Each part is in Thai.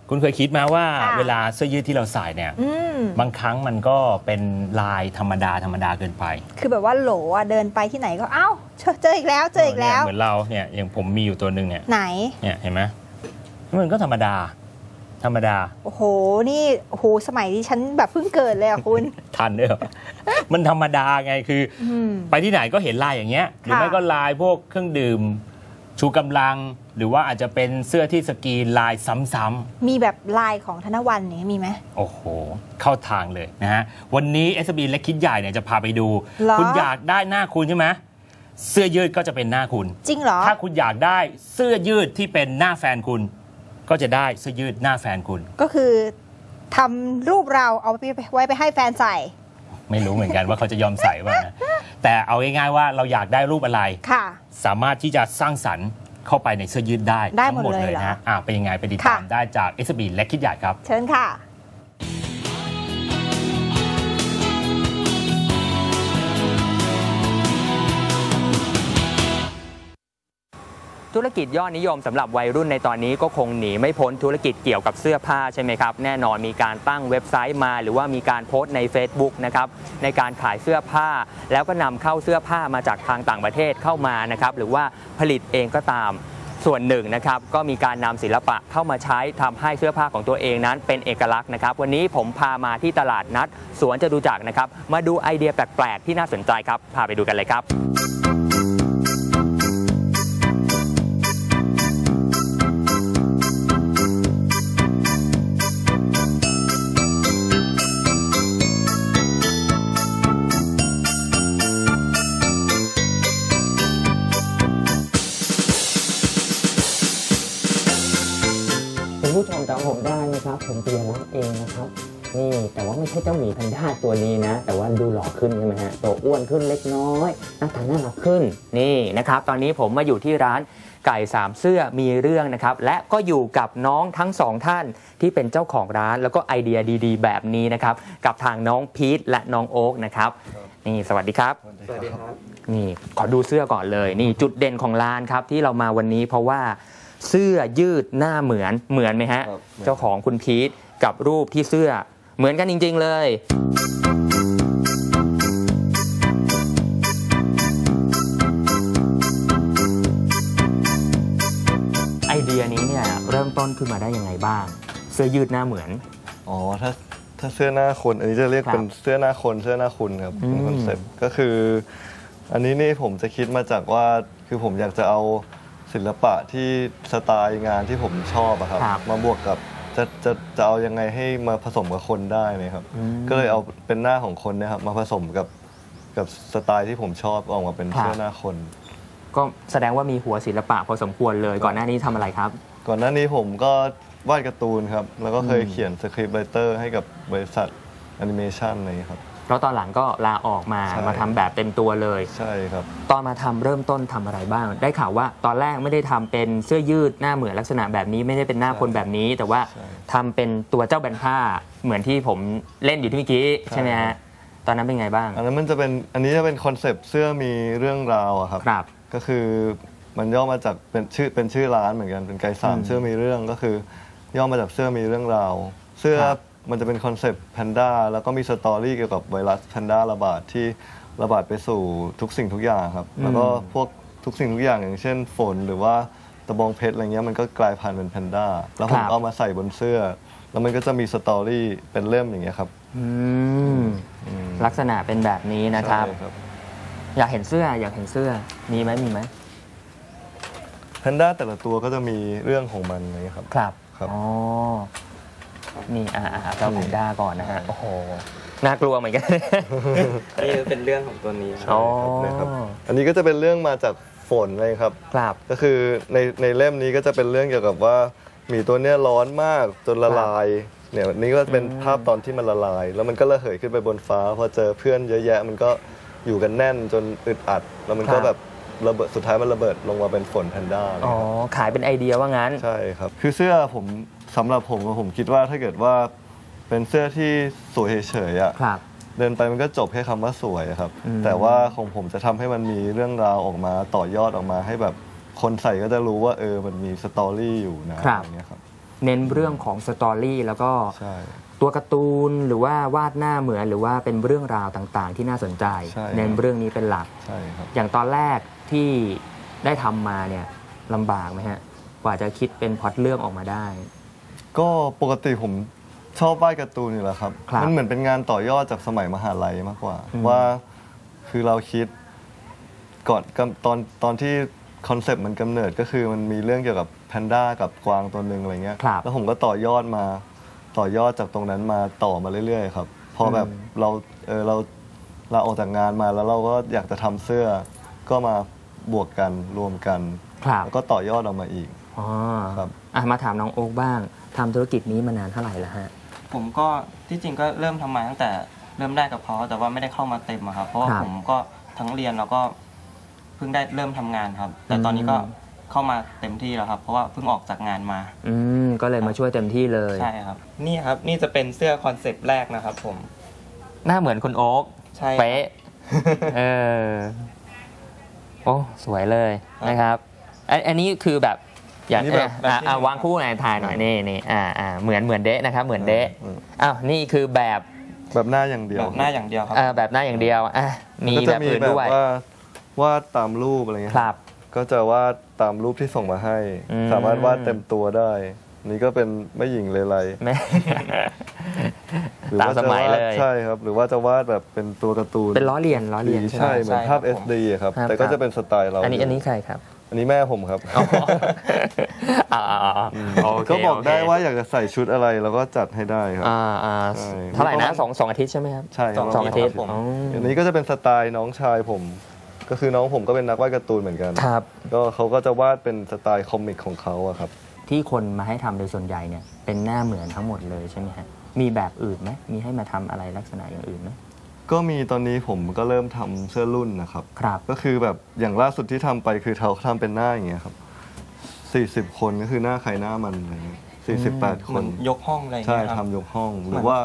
คุณเคยคิดไหมว่าเวลาเสื้อยืดที่เราใส่เนี่ยบางครั้งมันก็เป็นลายธรรมดาเกินไปคือแบบว่าโหลเดินไปที่ไหนก็เอ้าเจออีกแล้วเหมือนเราเนี่ยอย่างผมมีอยู่ตัวหนึ่งเนี่ยไหนเนี่ยเห็นไหมมันก็ธรรมดาโอ้โหนี่โอ้โหสมัยที่ฉันแบบเพิ่งเกิดเลยอะคุณทันด้วยเหรอมันธรรมดาไงคือไปที่ไหนก็เห็นลายอย่างเงี้ยหรือไม่ก็ลายพวกเครื่องดื่มชูกำลังหรือว่าอาจจะเป็นเสื้อที่สกรีนลายซ้ำๆมีแบบลายของธนวันเนี่ยมีไหมโอ้โหเข้าทางเลยนะฮะวันนี้ SB และคิดใหญ่เนี่ยจะพาไปดูคุณอยากได้หน้าคุณใช่ไหมเสื้อยืดก็จะเป็นหน้าคุณจริงเหรอถ้าคุณอยากได้เสื้อยืดที่เป็นหน้าแฟนคุณก็จะได้เสื้อยืดหน้าแฟนคุณก็คือทำรูปเราเอาไว้ไปให้แฟนใส่ไม่รู้เหมือนกันว่าเขาจะยอมใส่ป่ะนะแต่เอาง่ายๆว่าเราอยากได้รูปอะไรสามารถที่จะสร้างสรรค์เข้าไปในเสื้อยืดได้ทั้งหมดเลยนะเป็นยังไงไปติดตามได้จาก SB และคิดใหญ่ครับเชิญค่ะธุรกิจยอดนิยมสำหรับวัยรุ่นในตอนนี้ก็คงหนีไม่พ้นธุรกิจเกี่ยวกับเสื้อผ้าใช่ไหมครับแน่นอนมีการตั้งเว็บไซต์มาหรือว่ามีการโพสต์ใน Facebook นะครับในการขายเสื้อผ้าแล้วก็นำเข้าเสื้อผ้ามาจากทางต่างประเทศเข้ามานะครับหรือว่าผลิตเองก็ตามส่วนหนึ่งนะครับก็มีการนำศิลปะเข้ามาใช้ทำให้เสื้อผ้าของตัวเองนั้นเป็นเอกลักษณ์นะครับวันนี้ผมพามาที่ตลาดนัดสวนจตุจักรนะครับมาดูไอเดียแปลกๆที่น่าสนใจครับพาไปดูกันเลยครับผู้ชมจำผมได้ไหมครับผมปิยรัตน์เองนะครับนี่แต่ว่าไม่ใช่เจ้าหมีแพนด้าตัวนี้นะแต่ว่าดูหล่อขึ้นใช่ไหมฮะตัวอ้วนขึ้นเล็กน้อยหน้าตาน่ารักขึ้นนี่นะครับตอนนี้ผมมาอยู่ที่ร้านไก่สามเสื้อมีเรื่องนะครับและก็อยู่กับน้องทั้งสองท่านที่เป็นเจ้าของร้านแล้วก็ไอเดียดีๆแบบนี้นะครับกับทางน้องพีทและน้องโอ๊คนะครับนี่สวัสดีครับสวัสดีครับนี่ขอดูเสื้อก่อนเลยนี่จุดเด่นของร้านครับที่เรามาวันนี้เพราะว่าเสื้อยืดหน้าเหมือนไหมฮะเจ้าของคุณพีทกับรูปที่เสื้อเหมือนกันจริงๆเลยไอเดียนี้เนี่ยเริ่มต้นขึ้นมาได้ยังไงบ้างเสื้อยืดหน้าเหมือนอ๋อถ้าเสื้อหน้าคนอันนี้จะเรียกเป็นเสื้อหน้าคนเสื้อหน้าคุณครับเป็นคอนเซ็ปต์ก็คืออันนี้นี่ผมจะคิดมาจากว่าคือผมอยากจะเอาศิลปะที่สไตล์งานที่ผมชอบอะครับมาบวกกับจะเอายังไงให้มาผสมกับคนได้ไหมครับก็เลยเอาเป็นหน้าของคนเนี่ยครับมาผสมกับสไตล์ที่ผมชอบออกมาเป็นเสื้อหน้าคนก็แสดงว่ามีหัวศิลปะพอสมควรเลยก่อนหน้านี้ทำอะไรครับก่อนหน้านี้ผมก็วาดการ์ตูนครับแล้วก็เคยเขียนสคริปต์ไรเตอร์ให้กับบริษัทแอนิเมชันอะไรครับแล้วตอนหลังก็ลาออกมาทำแบบเต็มตัวเลยใช่ครับตอนมาทำเริ่มต้นทำอะไรบ้างได้ข่าวว่าตอนแรกไม่ได้ทำเป็นเสื้อยืดหน้าเหมือนลักษณะแบบนี้ไม่ได้เป็นหน้าคนแบบนี้แต่ว่าทำเป็นตัวเจ้าแบนผ้าเหมือนที่ผมเล่นอยู่ที่เมื่อกี้ใช่ไหมฮะตอนนั้นเป็นไงบ้างอันนี้จะเป็นคอนเซปต์เสื้อมีเรื่องราวครับก็คือมันย่อมาจากเป็นชื่อร้านเหมือนกันเป็นไก่สามเสื้อมีเรื่องก็คือย่อมาจากเสื้อมีเรื่องราวเสื้อมันจะเป็นคอนเซปต์แพนด้าแล้วก็มีสตอรี่เกี่ยวกับไวรัสแพนด้าระบาดที่ระบาดไปสู่ทุกสิ่งทุกอย่างครับแล้วก็พวกทุกสิ่งทุกอย่างอย่างเช่นฝนหรือว่าตะบองเพชรอะไรเงี้ยมันก็กลายพันธุ์เป็นแพนด้าแล้วผมเอามาใส่บนเสื้อแล้วมันก็จะมีสตอรี่เป็นเล่มอย่างเงี้ยครับลักษณะเป็นแบบนี้นะครับอยากเห็นเสื้อมีไหมแพนด้าแต่ละตัวก็จะมีเรื่องของมันนะครับครับอ๋อนี่เราแพนด้าก่อนนะฮะโอ้โหน่ากลัวเหมือนกันนี่เป็นเรื่องของตัวนี้นะครับอันนี้ก็จะเป็นเรื่องมาจากฝนเลยครับก็คือในเล่มนี้ก็จะเป็นเรื่องเกี่ยวกับว่าหมีตัวเนี้ยร้อนมากจนละลายเนี่ยนี่ก็เป็นภาพตอนที่มันละลายแล้วมันก็ระเหยขึ้นไปบนฟ้าพอเจอเพื่อนเยอะแยะมันก็อยู่กันแน่นจนอึดอัดแล้วมันก็แบบระเบิดสุดท้ายมันระเบิดลงมาเป็นฝนแพนด้าอ๋อขายเป็นไอเดียว่างั้นใช่ครับคือเสื้อผมสำหรับผมคิดว่าถ้าเกิดว่าเป็นเสื้อที่สวยเฉยๆอ่ะเดินไปมันก็จบแค่คำว่าสวยครับแต่ว่าของผมจะทำให้มันมีเรื่องราวออกมาต่อยอดออกมาให้แบบคนใส่ก็จะรู้ว่ามันมีสตอรี่อยู่นะอย่างเงี้ยครับเน้นเรื่องของสตอรี่แล้วก็ใช่ตัวการ์ตูนหรือว่าวาดหน้าเหมือนหรือว่าเป็นเรื่องราวต่างๆ ที่น่าสนใจใช่เน้นเรื่องนี้เป็นหลักใช่ครับอย่างตอนแรกที่ได้ทำมาเนี่ยลำบากไหมฮะกว่าจะคิดเป็นพล็อตเรื่องออกมาได้ก็ปกติผมชอบวาดการ์ตูนอยู่แล้วครับครับมันเหมือนเป็นงานต่อยอดจากสมัยมหาลัยมากกว่าอืมว่าคือเราคิดก่อนตอนที่คอนเซปต์มันกำเนิดก็คือมันมีเรื่องเกี่ยวกับแพนด้ากับกวางตัวหนึ่งอะไรเงี้ยครับแล้วผมก็ต่อยอดจากตรงนั้นมาต่อมาเรื่อยๆครับพอแบบเราออกจากงานมาแล้วเราก็อยากจะทำเสื้อก็มาบวกกันรวมกันครับแล้วก็ต่อยอดออกมาอีกอ๋อครับมาถามน้องโอ๊คบ้างทำธุรกิจนี้มานานเท่าไหร่แล้วฮะผมก็ที่จริงก็เริ่มทำมาตั้งแต่เริ่มได้กับเขาแต่ว่าไม่ได้เข้ามาเต็มอะครับเพราะว่าครับผมก็ทั้งเรียนแล้วก็เพิ่งได้เริ่มทำงานครับ แต่ตอนนี้ก็เข้ามาเต็มที่แล้วครับ เพราะว่าเพิ่งออกจากงานมาก็เลยมาช่วยเต็มที่เลยใช่ครับ นี่ครับนี่จะเป็นเสื้อคอนเซปต์แรกนะครับผมหน้าเหมือนคุณโอ๊คใช่เป๊ะโอ้สวยเลยนะครับอันนี้คือแบบอยากนี่แบบวางคู่ไหนถ่ายหน่อยนี่เหมือนเดะนะครับเหมือนเดะอ้าวนี่คือแบบแบบหน้าอย่างเดียวแบบหน้าอย่างเดียวครับแบบหน้าอย่างเดียวมีก็แบจะบมีอื่นแบบด้วยว่าวาดตามรูปอะไรเงี้ยครับก็จะวาดตามรูปที่ส่งมาให้อืมสามารถวาดเต็มตัวได้ นี่ก็เป็นแม่หญิงเลไลแม่หรือตามว่าสจะมัยวาดเลยใช่ครับ หรือว่าจะวาดแบบเป็นตัวการ์ตูนเป็นล้อเลียนใช่ไหมใช่เหมือนภาพใช่ครับ SD อะครับครับแต่ก็จะเป็นสไตล์เราอันนี้ใครครับอันนี้แม่ผมครับโอเคก็บอกได้โเคว่าอยากจะใส่ชุดอะไรเราก็จัดให้ได้ครับ ใช่เท่าไหร่นะสองอาทิตย์ใช่ไหมครับใช่ครับสองอาทิตย์ผมอ๋ออันนี้ก็จะเป็นสไตล์น้องชายผม ก็คือน้องผมก็เป็นนักวาดการ์ตูนเหมือนกันครับก็เขาก็จะวาดเป็นสไตล์คอมิกของเขาอะครับที่คนมาให้ทำโดยส่วนใหญ่เนี่ยเป็นหน้าเหมือนทั้งหมดเลยใช่ไหมฮะมีแบบอื่นไหมมีให้มาทำอะไรลักษณะอย่างอื่นไหมก็มีตอนนี้ผมก็เริ่มทำเสื้อรุ่นนะครับครับก็คือแบบอย่างล่าสุดที่ทำไปคือเขาทำเป็นหน้าอย่างเงี้ยครับ40 คนก็คือหน้าใครหน้ามันอะไรเงี้ย48 คเหมือน นยกห้องอะไรอย่างใช่เงี้ยครับทำยกห้องหรือว่า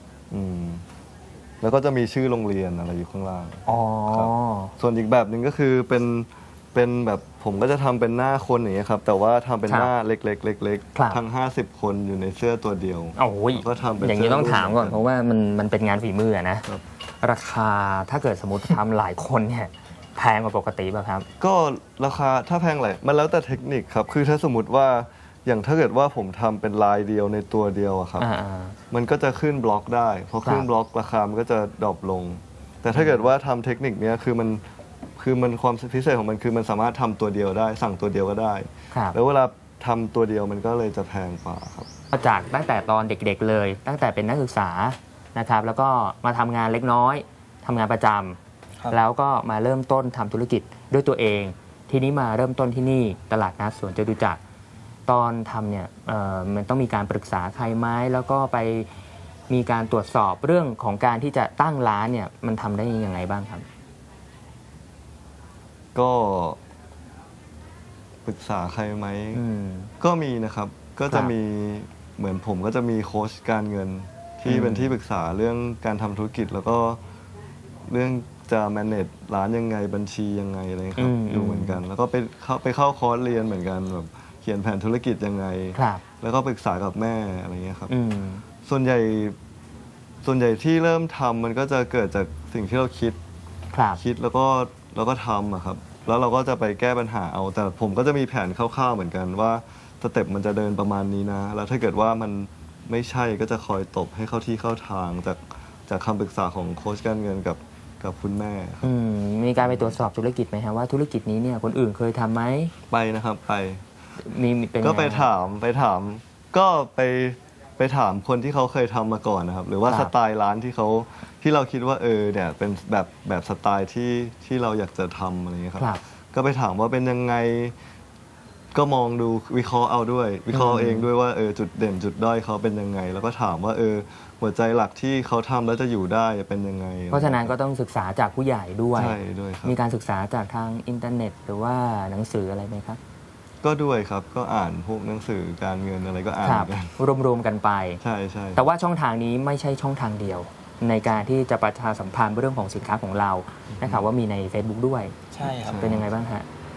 แล้วก็จะมีชื่อโรงเรียนอะไรอยู่ข้างล่างอ๋อครับ ส่วนอีกแบบหนึ่งก็คือเป็นแบบผมก็จะทำเป็นหน้าคนอย่างเงี้ยครับแต่ว่าทำเป็นครับหน้าเล็กๆเล็กครับๆทั้ง50 คนอยู่ในเสื้อตัวเดียวโอ้ยก็ทำเป็นอย่างนี้ต้องถามก่อนเสื้เพราะว่ามันเป็นงานฝีมือนะครับ ราคาถ้าเกิดสมมติทำหลายคนเนี่ยแพงกว่าปกติป่ะครับก็ราคาถ้าแพงไหลมันแล้วแต่เทคนิคครับคือถ้าสมมติว่าอย่างถ้าเกิดว่าผมทำเป็นลายเดียวในตัวเดียวอะครับ มันก็จะขึ้นบล็อกได้พอขึ้นบล็อกราคามันก็จะดรอปลง แต่ถ้าเกิดว่าทำเทคนิคเนี้ยคือมันความพิเศษของมันคือมันสามารถทำตัวเดียวได้ สั่งตัวเดียวก็ได้ครับแล้วเวลาทำตัวเดียวมันก็เลยจะแพงกว่าครับจากตั้งแต่ตอนเด็กๆเลย ตั้งแต่เป็นนักศึกษานะครับ แล้วก็มาทำงานเล็กน้อยทำงานประจครับำแล้วก็มาเริ่มต้นทำธุรกิจด้วยตัวเอง ทีนี้มาเริ่มต้นที่นี่ตลาดนัดสวนจตุจักรตอนทำเนี่ยมันต้องมีการปรึกษาใครไหมแล้วก็ไปมีการตรวจสอบเรื่องของการที่จะตั้งร้านเนี่ยมันทำได้ยังไงบ้างครับก็ปรึกษาใครไหม ก็มีนะครับ ก็จะมีเหมือนผมก็จะมีโค้ชการเงินที่เป็นที่ปรึกษาเรื่องการทำธุรกิจ แล้วก็เรื่องจะ manage ร้านยังไงบัญชียังไงอะไรครับอยู่เหมือนกัน แล้วก็ไปเข้าคอร์สเรียนเหมือนกันแบบเขียนแผนธุรกิจยังไงครับแล้วก็ปรึกษากับแม่อะไรเงี้ยครับส่วนใหญ่ที่เริ่มทำมันก็จะเกิดจากสิ่งที่เราคิดครับแล้วก็ทำอะครับ แล้วเราก็จะไปแก้ปัญหาเอา แต่ผมก็จะมีแผนคร่าวๆเหมือนกันว่าสเต็ปมันจะเดินประมาณนี้นะ แล้วถ้าเกิดว่ามันไม่ใช่ก็จะคอยตบให้เข้าที่เข้าทางจากคำปรึกษาของโค้ชการเงินกับคุณแม่ครับมีการไปตรวจสอบธุรกิจไหมฮะว่าธุรกิจนี้เนี่ยคนอื่นเคยทำไหมไปนะครับไปมีเป็นก็งไปถามก็ไปถามคนที่เขาเคยทำมาก่อนนะครับ หรือว่าครับสไตล์ร้านที่เราคิดว่าเนี่ยเป็นแบบสไตล์ที่เราอยากจะทำอะไรเงี้ยครับครับก็ไปถามว่าเป็นยังไง ก็มองดูวิเคราะห์เอาด้วย วิเคราะห์เองด้วยว่าจุดเด่นจุดด้อยเขาเป็นยังไง แล้วก็ถามว่าหัวใจหลักที่เขาทำแล้วจะอยู่ได้เป็นยังไงเพราะฉะนั้นก็ต้องศึกษาจากผู้ใหญ่ด้วยใช่ด้วยครับมีการศึกษาจากทางอินเทอร์เน็ต หรือว่าหนังสืออะไรไหมครับก็ด้วยครับก็อ่านพวกหนังสือการเงินอะไรก็อ่านคเหรัมือนกันรวมๆกันไปใช่ใช่แต่ว่าช่องทางนี้ไม่ใช่ช่องทางเดียว ในการที่จะประชาสัมพันธ์เรื่องของสินค้าของเรานะครับว่ามีใน Facebook ด้วยใช่ครับเป็นยังไงบ้างฮะ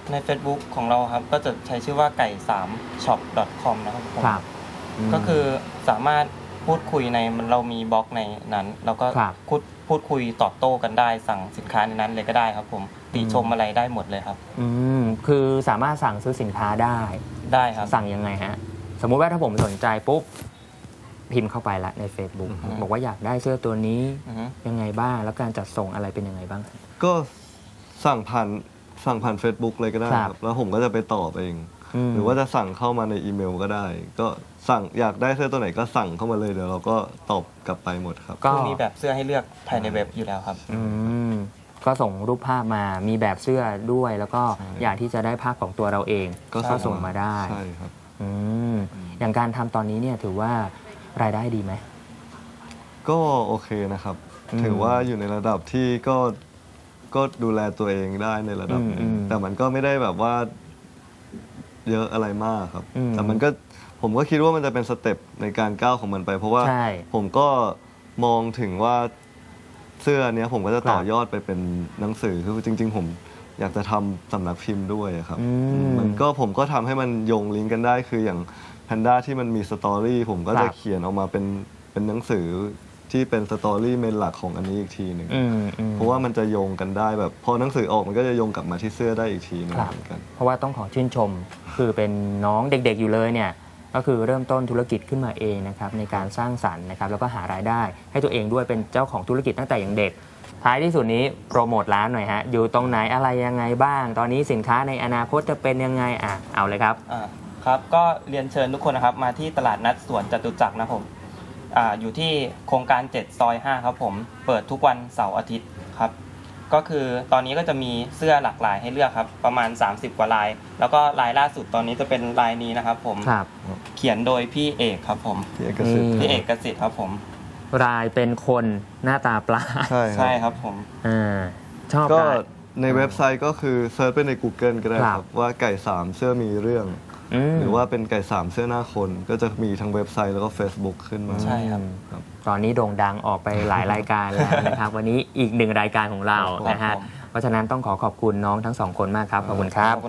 ใน Facebook ของเราครับก็จะใช้ชื่อว่าไก่3 shop.com นะครับผมก็คือสามารถพูดคุยในเรามีบล็อกในนั้นแล้วก็พูดคุยตอบโต้กันได้สั่งสินค้าในนั้นเลยก็ได้ครับผมติชมอะไรได้หมดเลยครับคือสามารถสั่งซื้อสินค้าได้ครับสั่งยังไงฮะสมมุติว่าถ้าผมสนใจปุ๊บพิมพ์เข้าไปละใน Facebook บอกว่าอยากได้เสื้อตัวนี้ยังไงบ้างแล้วการจัดส่งอะไรเป็นยังไงบ้างก็สั่งผ่าน Facebook เลยก็ได้ครับแล้วผมก็จะไปตอบเองหรือว่าจะสั่งเข้ามาในอีเมลก็ได้ก็สั่งอยากได้เสื้อตัวไหนก็สั่งเข้ามาเลยเดี๋ยวเราก็ตอบกลับไปหมดครับก็มีแบบเสื้อให้เลือกภายในเว็บอยู่แล้วครับก็ส่งรูปภาพมามีแบบเสื้อด้วยแล้วก็อยากที่จะได้ภาพของตัวเราเองก็ส่งมาได้ใช่ครับอย่างการทำตอนนี้เนี่ยถือว่ารายได้ดีไหมก็โอเคนะครับถือว่าอยู่ในระดับที่ก็ดูแลตัวเองได้ในระดับนึงแต่มันก็ไม่ได้แบบว่าเยอะอะไรมากครับแต่มันก็ผมก็คิดว่ามันจะเป็นสเต็ปในการก้าวของมันไปเพราะว่าผมก็มองถึงว่าเสื้อเนี้ยผมก็จะต่อยอดไปเป็นหนังสือคือจริงๆผมอยากจะทำสำนักพิมพ์ด้วยครับมันก็ผมก็ทำให้มันโยงลิงก์กันได้คืออย่างแพนด้าที่มันมีสตอรี่ผมก็จะเขียนออกมาเป็นหนังสือที่เป็นสตอรี่เมนหลักของอันนี้อีกทีหนึ่งเพราะว่ามันจะโยงกันได้แบบพอหนังสือออกมันก็จะโยงกลับมาที่เสื้อได้อีกทีนึงเหมือนกันเพราะว่าต้องขอชื่นชมคือเป็นน้องเด็กๆอยู่เลยเนี่ยก็คือเริ่มต้นธุรกิจขึ้นมาเองนะครับในการสร้างสรรค์นะครับแล้วก็หารายได้ให้ตัวเองด้วยเป็นเจ้าของธุรกิจตั้งแต่อย่างเด็กท้ายที่สุดนี้โปรโมทร้านหน่อยฮะอยู่ตรงไหนอะไรยังไงบ้างตอนนี้สินค้าในอนาคตจะเป็นยังไงเอาเลยครับครับก็เรียนเชิญทุกคนนะครับมาที่ตลาดนัดสวนจตุจักรนะผมอยู่ที่โครงการ7 ซอย 5ครับผมเปิดทุกวันเสาร์อาทิตย์ครับก็คือตอนนี้ก็จะมีเสื้อหลากหลายให้เลือกครับประมาณ30กว่าลายแล้วก็ลายล่าสุดตอนนี้จะเป็นลายนี้นะครับผมเขียนโดยพี่เอกครับผมพี่เอกกสิทธิ์ครับผมลายเป็นคนหน้าตาปลาใช่ครับผมชอบก็ในเว็บไซต์ก็คือเซิร์ชไปใน Google ก็ได้ครับว่าไก่3เสื้อมีเรื่องหรือว่าเป็นไก่3เสื้อหน้าคนก็จะมีทั้งเว็บไซต์แล้วก็ Facebook ขึ้นมาใช่ครับตอนนี้โด่งดังออกไปหลายรายการแล้วนะครับวันนี้อีก1รายการของเรานะฮะเพราะฉะนั้นต้องขอบคุณน้องทั้ง2คนมากครับขอบคุณครับ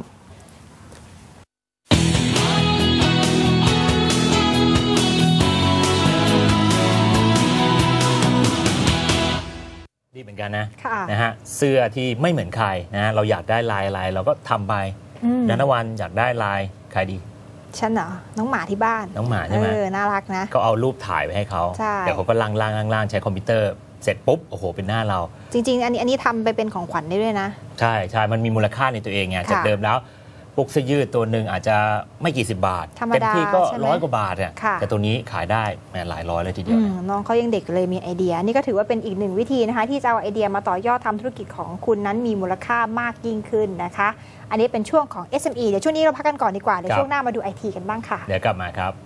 ดีเหมือนกันนะฮะเสื้อที่ไม่เหมือนใครนะเราอยากได้ลายอะไรเราก็ทำไปนันทวันอยากได้ลายใครดีฉันเหรอน้องหมาที่บ้านน้องหมาใช่ไหมน่ารักนะก็เอารูปถ่ายไปให้เขาเดี๋ยวเขาก็ล่างใช้คอมพิวเตอร์เสร็จปุ๊บโอ้โหเป็นหน้าเราจริงๆอันนี้ทำไปเป็นของขวัญได้ด้วยนะใช่มันมีมูลค่าในตัวเองไงจากเดิมแล้วพวกเสื้อยืดตัวหนึ่งอาจจะไม่กี่สิบบาทเต็มที่ก็100 กว่าบาทเนี่ยแต่ตัวนี้ขายได้หลายร้อยเลยทีเดียวน้องเขายังเด็กเลยมีไอเดียนี่ก็ถือว่าเป็นอีกหนึ่งวิธีนะคะที่จะเอาไอเดียมาต่อยอดทำธุรกิจของคุณนั้นมีมูลค่ามากยิ่งขึ้นนะคะอันนี้เป็นช่วงของ SME เดี๋ยวช่วงนี้เราพักกันก่อนดีกว่าเดี๋ยวช่วงหน้ามาดู IT กันบ้างค่ะเดี๋ยวกลับมาครับ